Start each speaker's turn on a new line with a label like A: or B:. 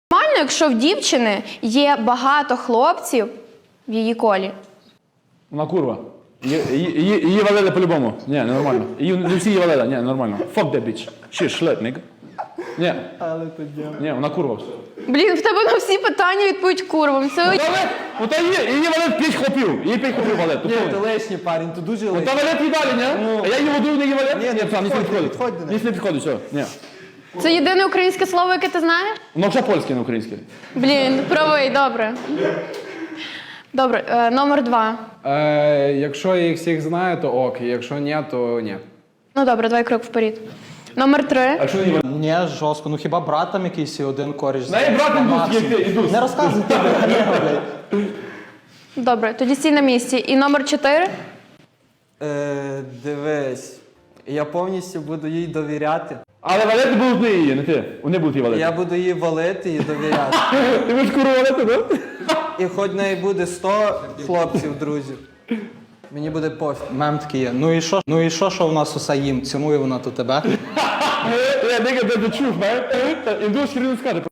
A: Нормально, якщо в дівчини є багато хлопців в її колі.
B: Вона курва. Її валили по-любому. Ні, нормально. Не всі її валили. Ні, нормально. Fuck that bitch. She slut, nigga. Ні.
C: Але то діло.
B: Ні, вона курва.
A: Блін, в тебе на всі питання відповідь курвом. Це...
B: Ну та її валить 5 хлопів. Її 5 хлопів валить.
C: Ні, ти лишній парень, ти дуже лишній.
B: Та валить і далі, ні? А я її воду, не її валить?
C: Ні,
B: псам, ніс не підходить.
C: підходь до неї.
B: Ніс не підходить, все. Ні.
A: Це єдине українське слово, яке ти знаєш?
B: Воно вже польське, не українське.
A: Блін, правий, добре. Добре, номер 2.
D: Якщо я їх всіх знаю, то ок. Якщо ні, то ні.
A: Ну добре, давай крок вперед. Номер 3.
B: А що її валить?
C: Ні, жорстко. Ну хіба брат там якийсь і один коріш?
B: Неї брат індус, як ти, індус.
C: Не розказуй ти, блядь.
A: Добре, тоді стій на місці. І номер 4.
C: Дивись, я повністю буду їй довіряти.
B: Але валити будуть не її, не ти. Вони будуть її валити.
C: Я буду її валити і довіряти.
B: Ти будеш куру валити, так?
C: І хоч в неї буде 100 хлопців, друзів. Мені буде пофіг. Мем такий є. Ну і що в нас усе їм? Цінує вона то тебе?
B: Я nigga, that's the truth, man. Індус хрін не скаже.